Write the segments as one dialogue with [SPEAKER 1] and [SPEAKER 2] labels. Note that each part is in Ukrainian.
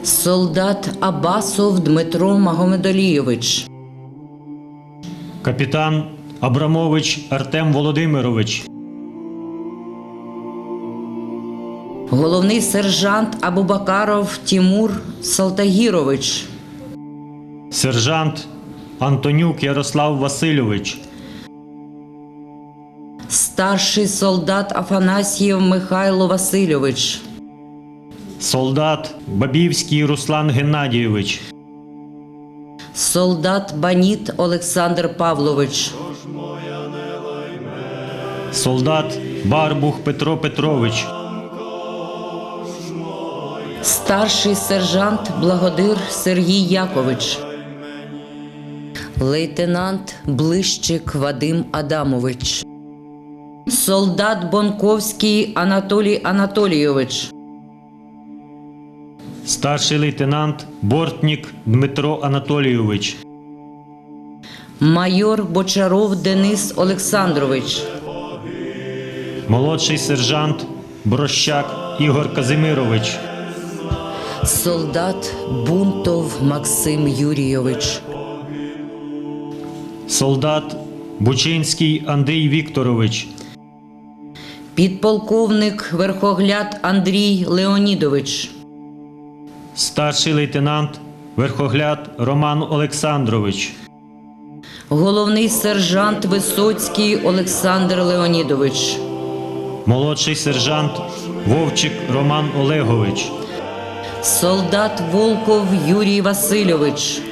[SPEAKER 1] Солдат Абасов Дмитро Магомедолійович.
[SPEAKER 2] Капітан Абрамович Артем Володимирович.
[SPEAKER 1] Головний сержант Абубакаров Тимур Салтагірович.
[SPEAKER 2] Сержант Антонюк Ярослав Васильович.
[SPEAKER 1] Старший солдат Афанасьєв Михайло Васильович.
[SPEAKER 2] Солдат Бабівський Руслан Геннадійович.
[SPEAKER 1] Солдат Баніт Олександр Павлович.
[SPEAKER 2] Солдат Барбух Петро Петрович.
[SPEAKER 1] Старший сержант Благодир Сергій Якович. Лейтенант Блищик Вадим Адамович. Солдат Бонковський Анатолій Анатолійович.
[SPEAKER 2] Старший лейтенант Бортнік Дмитро Анатолійович.
[SPEAKER 1] Майор Бочаров Денис Олександрович.
[SPEAKER 2] Молодший сержант Брощак Ігор Казимирович.
[SPEAKER 1] Солдат Бунтов Максим Юрійович.
[SPEAKER 2] Солдат Бучинський Андрій Вікторович.
[SPEAKER 1] Підполковник Верхогляд Андрій Леонідович.
[SPEAKER 2] Старший лейтенант Верхогляд Роман Олександрович.
[SPEAKER 1] Головний сержант Висоцький Олександр Леонідович.
[SPEAKER 2] Молодший сержант Вовчик Роман Олегович.
[SPEAKER 1] Солдат Волков Юрій Васильович.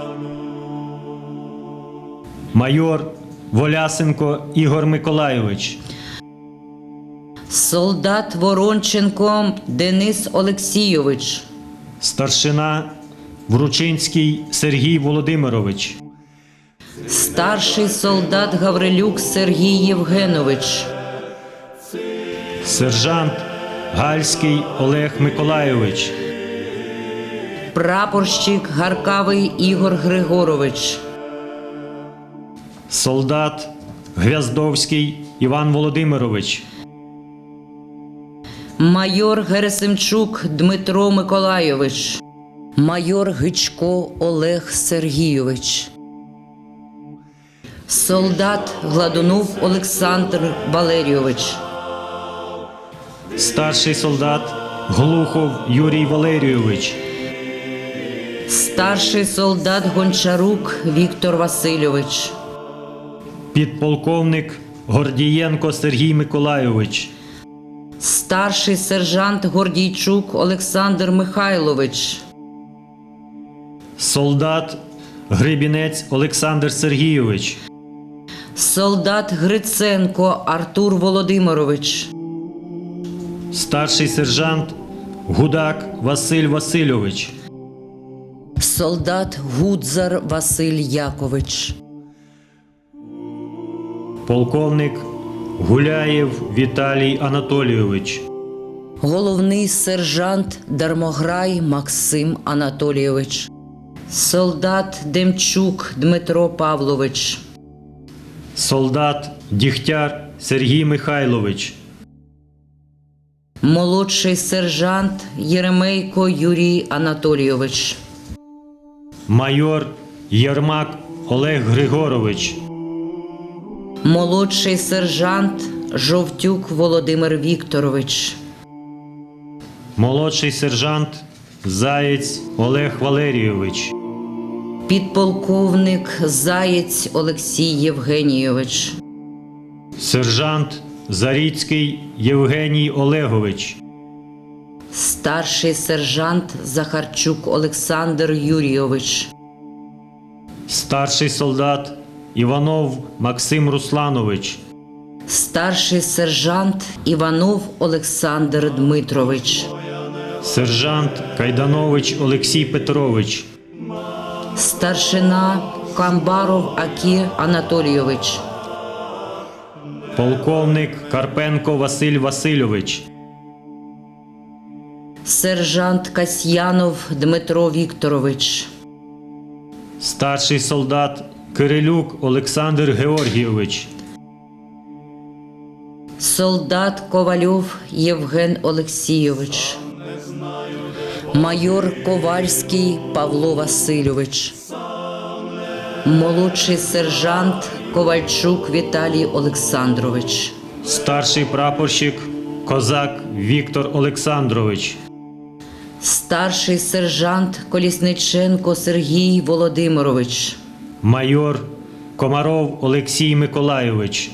[SPEAKER 2] Майор Волясенко Ігор Миколайович.
[SPEAKER 1] Солдат Воронченко Денис Олексійович.
[SPEAKER 2] Старшина Вручинський Сергій Володимирович.
[SPEAKER 1] Старший солдат Гаврилюк Сергій Євгенович.
[SPEAKER 2] Сержант Гальський Олег Миколайович.
[SPEAKER 1] Прапорщик Гаркавий Ігор Григорович.
[SPEAKER 2] Солдат Гвяздовський Іван Володимирович.
[SPEAKER 1] Майор Герасимчук Дмитро Миколайович. Майор Гичко Олег Сергійович. Солдат Гладунов Олександр Валерійович.
[SPEAKER 2] Старший солдат Глухов Юрій Валерійович.
[SPEAKER 1] Старший солдат Гончарук Віктор Васильович.
[SPEAKER 2] Підполковник Гордієнко Сергій Миколайович.
[SPEAKER 1] Старший сержант Гордійчук Олександр Михайлович.
[SPEAKER 2] Солдат Грибінець Олександр Сергійович.
[SPEAKER 1] Солдат Гриценко Артур Володимирович.
[SPEAKER 2] Старший сержант Гудак Василь Васильович.
[SPEAKER 1] Солдат Гудзар Василь Якович.
[SPEAKER 2] Полковник Гуляєв Віталій Анатолійович.
[SPEAKER 1] Головний сержант Дармограй Максим Анатолійович. Солдат Демчук Дмитро Павлович.
[SPEAKER 2] Солдат Дігтяр Сергій Михайлович.
[SPEAKER 1] Молодший сержант Єремейко Юрій Анатолійович.
[SPEAKER 2] Майор Єрмак Олег Григорович.
[SPEAKER 1] Молодший сержант Жовтюк Володимир Вікторович.
[SPEAKER 2] Молодший сержант Заєць Олег Валерійович.
[SPEAKER 1] Підполковник Заєць Олексій Євгенійович.
[SPEAKER 2] Сержант Заріцький Євгеній Олегович.
[SPEAKER 1] Старший сержант Захарчук Олександр Юрійович.
[SPEAKER 2] Старший солдат Іванов Максим Русланович.
[SPEAKER 1] Старший сержант Іванов Олександр Дмитрович.
[SPEAKER 2] Сержант Кайданович Олексій Петрович.
[SPEAKER 1] Старшина Камбаров Акі Анатолійович.
[SPEAKER 2] Полковник Карпенко Василь Васильович.
[SPEAKER 1] Сержант Касьянов Дмитро Вікторович.
[SPEAKER 2] Старший солдат Кирилюк Олександр Георгійович.
[SPEAKER 1] Солдат Ковальов Євген Олексійович. майор Ковальський Павло Васильович, молодший сержант Ковальчук Віталій Олександрович,
[SPEAKER 2] старший прапорщик Козак Віктор Олександрович,
[SPEAKER 1] старший сержант Колісниченко Сергій Володимирович,
[SPEAKER 2] майор Комаров Олексій Миколайович,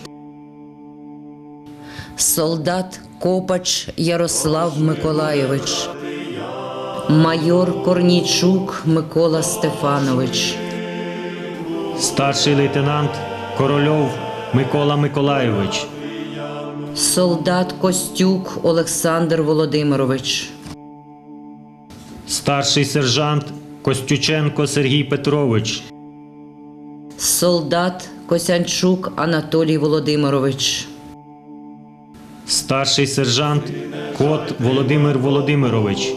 [SPEAKER 1] солдат Копач Ярослав Миколайович, майор Корнійчук Микола Стефанович,
[SPEAKER 2] старший лейтенант Корольов Микола Миколайович,
[SPEAKER 1] солдат Костюк Олександр Володимирович,
[SPEAKER 2] старший сержант Костюченко Сергій Петрович,
[SPEAKER 1] солдат Косянчук Анатолій Володимирович,
[SPEAKER 2] старший сержант Кот Володимир Володимирович,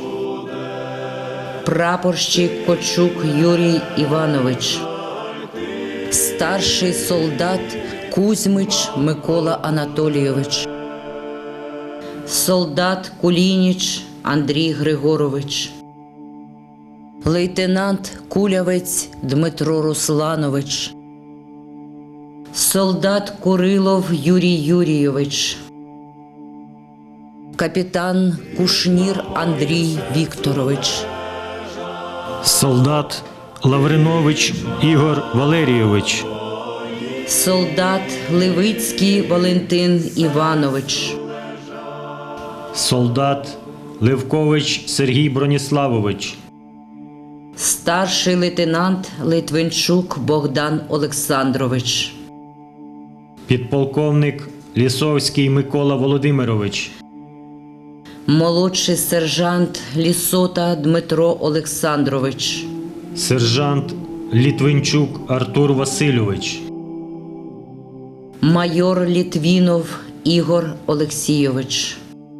[SPEAKER 1] прапорщик Кочук Юрій Іванович, старший солдат Кузьмич Микола Анатолійович, солдат Кулініч Андрій Григорович, лейтенант Кулявець Дмитро Русланович, солдат Курилов Юрій Юрійович, капітан Кушнір Андрій Вікторович,
[SPEAKER 2] солдат Лавринович Ігор Валерійович,
[SPEAKER 1] солдат Левицький Валентин Іванович,
[SPEAKER 2] солдат Левкович Сергій Броніславович,
[SPEAKER 1] старший лейтенант Литвинчук Богдан Олександрович,
[SPEAKER 2] підполковник Лісовський Микола Володимирович,
[SPEAKER 1] молодший сержант Лісота Дмитро Олександрович,
[SPEAKER 2] сержант Літвинчук Артур Васильович,
[SPEAKER 1] майор Літвінов Ігор Олексійович,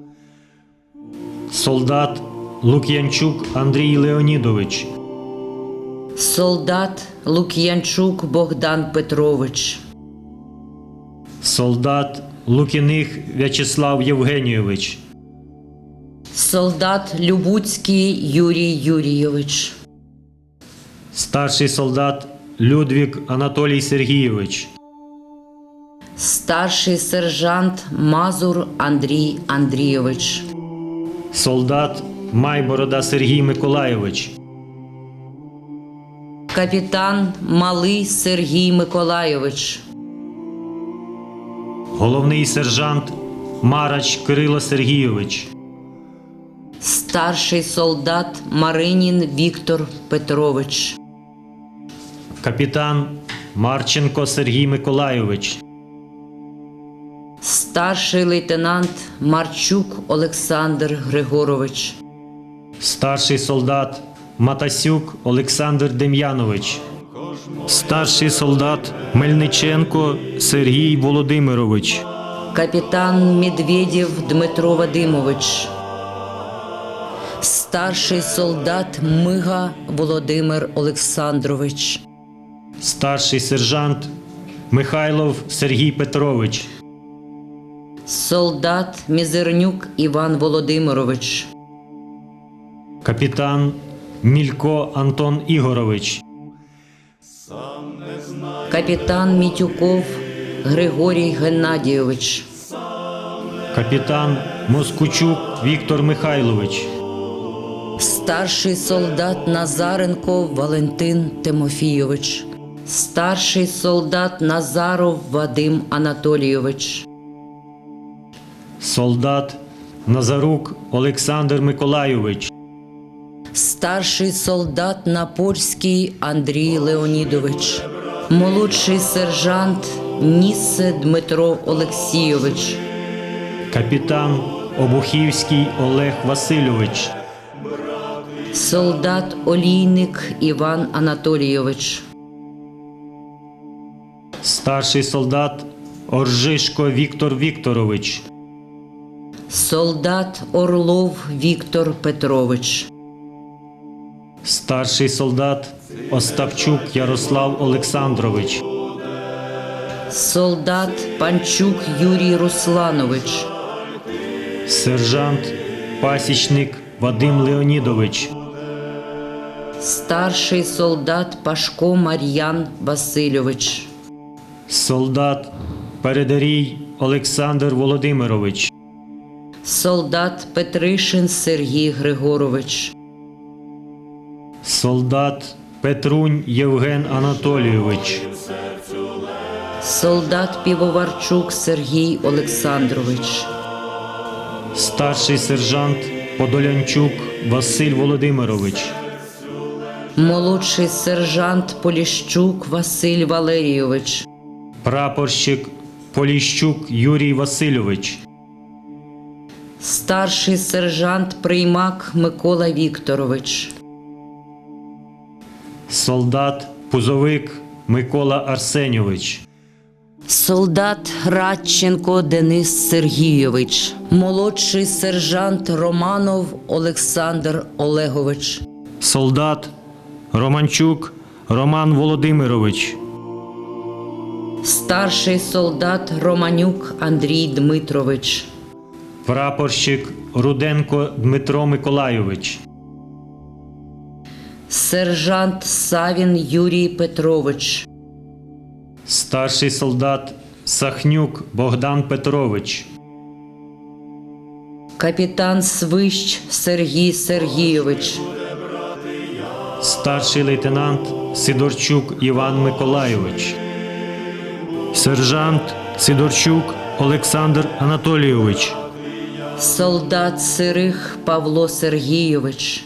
[SPEAKER 2] солдат Лук'янчук Андрій Леонідович,
[SPEAKER 1] солдат Лук'янчук Богдан Петрович,
[SPEAKER 2] солдат Лукіних В'ячеслав Євгенійович,
[SPEAKER 1] солдат Любуцький Юрій Юрійович,
[SPEAKER 2] старший солдат Людвік Анатолій Сергійович,
[SPEAKER 1] старший сержант Мазур Андрій Андрійович,
[SPEAKER 2] солдат Майборода Сергій Миколайович,
[SPEAKER 1] капітан Малий Сергій Миколайович,
[SPEAKER 2] головний сержант Марач Кирило Сергійович,
[SPEAKER 1] старший солдат Маринін Віктор Петрович,
[SPEAKER 2] капітан Марченко Сергій Миколайович,
[SPEAKER 1] старший лейтенант Марчук Олександр Григорович,
[SPEAKER 2] старший солдат Матасюк Олександр Дем'янович, старший солдат Мельниченко Сергій Володимирович,
[SPEAKER 1] капітан Медведєв Дмитро Вадимович, старший солдат Мига Володимир Олександрович,
[SPEAKER 2] старший сержант Михайлов Сергій Петрович,
[SPEAKER 1] солдат Мізернюк Іван Володимирович,
[SPEAKER 2] капітан Мілько Антон Ігорович,
[SPEAKER 1] капітан Мітюков Григорій Геннадійович,
[SPEAKER 2] капітан Москучук Віктор Михайлович,
[SPEAKER 1] старший солдат Назаренко Валентин Тимофійович, старший солдат Назаров Вадим Анатолійович,
[SPEAKER 2] солдат Назарук Олександр Миколайович,
[SPEAKER 1] старший солдат Напольський Андрій Леонідович, молодший сержант Нісе Дмитро Олексійович,
[SPEAKER 2] капітан Обухівський Олег Васильович,
[SPEAKER 1] солдат Олійник Іван Анатолійович,
[SPEAKER 2] старший солдат Оржишко Віктор Вікторович,
[SPEAKER 1] солдат Орлов Віктор Петрович,
[SPEAKER 2] старший солдат Остапчук Ярослав Олександрович,
[SPEAKER 1] солдат Панчук Юрій Русланович,
[SPEAKER 2] сержант Пасічник Вадим Леонідович.
[SPEAKER 1] Старший солдат Пашко Мар'ян Васильович.
[SPEAKER 2] Солдат Передарій Олександр Володимирович.
[SPEAKER 1] Солдат Петришин Сергій Григорович.
[SPEAKER 2] Солдат Петрунь Євген Анатолійович.
[SPEAKER 1] Солдат Півоварчук Сергій Олександрович.
[SPEAKER 2] Старший сержант Подолянчук Василь Володимирович.
[SPEAKER 1] Молодший сержант Поліщук Василь Валерійович.
[SPEAKER 2] Прапорщик Поліщук Юрій Васильович.
[SPEAKER 1] Старший сержант Приймак Микола Вікторович.
[SPEAKER 2] Солдат Пузовик Микола Арсеньович.
[SPEAKER 1] Солдат Радченко Денис Сергійович. Молодший сержант Романов Олександр Олегович.
[SPEAKER 2] Солдат Романчук Роман Володимирович.
[SPEAKER 1] Старший солдат Романюк Андрій Дмитрович.
[SPEAKER 2] Прапорщик Руденко Дмитро Миколайович.
[SPEAKER 1] Сержант Савін Юрій Петрович.
[SPEAKER 2] Старший солдат Сахнюк Богдан Петрович.
[SPEAKER 1] Капітан Свищ Сергій Сергійович.
[SPEAKER 2] Старший лейтенант Сидорчук Іван Миколайович. Сержант Сидорчук Олександр Анатолійович.
[SPEAKER 1] Солдат Сирих Павло Сергійович.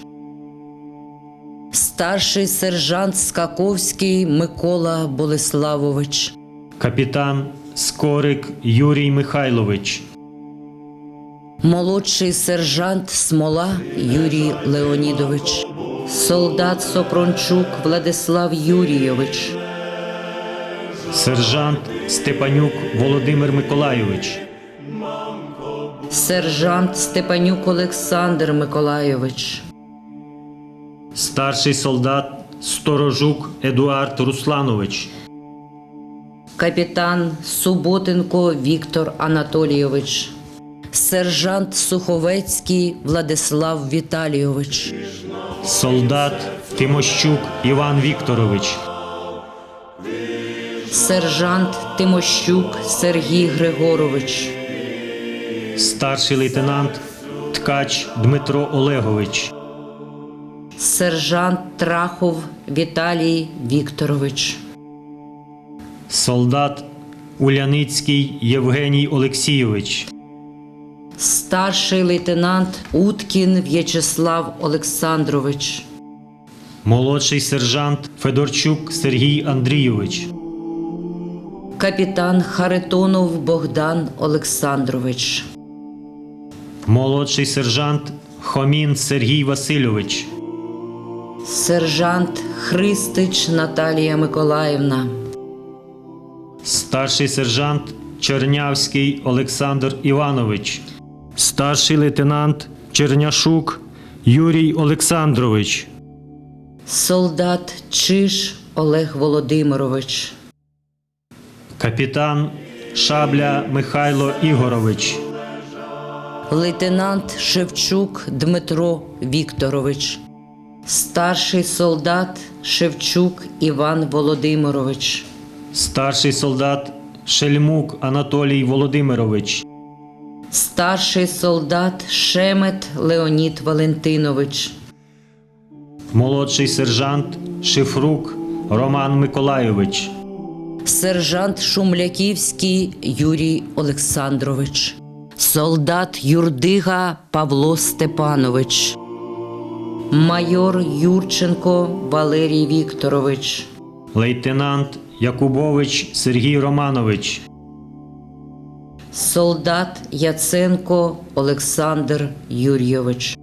[SPEAKER 1] Старший сержант Скаковський Микола Болеславович.
[SPEAKER 2] Капітан Скорик Юрій Михайлович.
[SPEAKER 1] Молодший сержант Смола Юрій Леонідович. Солдат Сопрончук Владислав Юрійович.
[SPEAKER 2] Сержант Степанюк Володимир Миколайович.
[SPEAKER 1] Сержант Степанюк Олександр Миколайович.
[SPEAKER 2] Старший солдат Сторожук Едуард Русланович.
[SPEAKER 1] Капітан Суботенко Віктор Анатолійович. Сержант Суховецький Владислав Віталійович.
[SPEAKER 2] Солдат Тимощук Іван Вікторович.
[SPEAKER 1] Сержант Тимощук Сергій Григорович.
[SPEAKER 2] Старший лейтенант Ткач Дмитро Олегович.
[SPEAKER 1] Сержант Трахов Віталій Вікторович.
[SPEAKER 2] Солдат Уляницький Євгеній Олексійович.
[SPEAKER 1] Старший лейтенант Уткін В'ячеслав Олександрович.
[SPEAKER 2] Молодший сержант Федорчук Сергій Андрійович.
[SPEAKER 1] Капітан Харитонов Богдан Олександрович.
[SPEAKER 2] Молодший сержант Хомін Сергій Васильович.
[SPEAKER 1] Сержант Христич Наталія Миколаївна.
[SPEAKER 2] Старший сержант Чернявський Олександр Іванович. Старший лейтенант Черняшук Юрій Олександрович.
[SPEAKER 1] Солдат Чиж Олег Володимирович.
[SPEAKER 2] Капітан Шабля Михайло Ігорович.
[SPEAKER 1] Лейтенант Шевчук Дмитро Вікторович. Старший солдат Шевчук Іван Володимирович.
[SPEAKER 2] Старший солдат Шельмук Анатолій Володимирович.
[SPEAKER 1] Старший солдат Шемет Леонід Валентинович.
[SPEAKER 2] Молодший сержант Шифрук Роман Миколайович.
[SPEAKER 1] Сержант Шумляківський Юрій Олександрович. Солдат Юрдига Павло Степанович. Майор Юрченко Валерій Вікторович.
[SPEAKER 2] Лейтенант Якубович Сергій Романович.
[SPEAKER 1] Солдат Яценко Олександр Юрійович.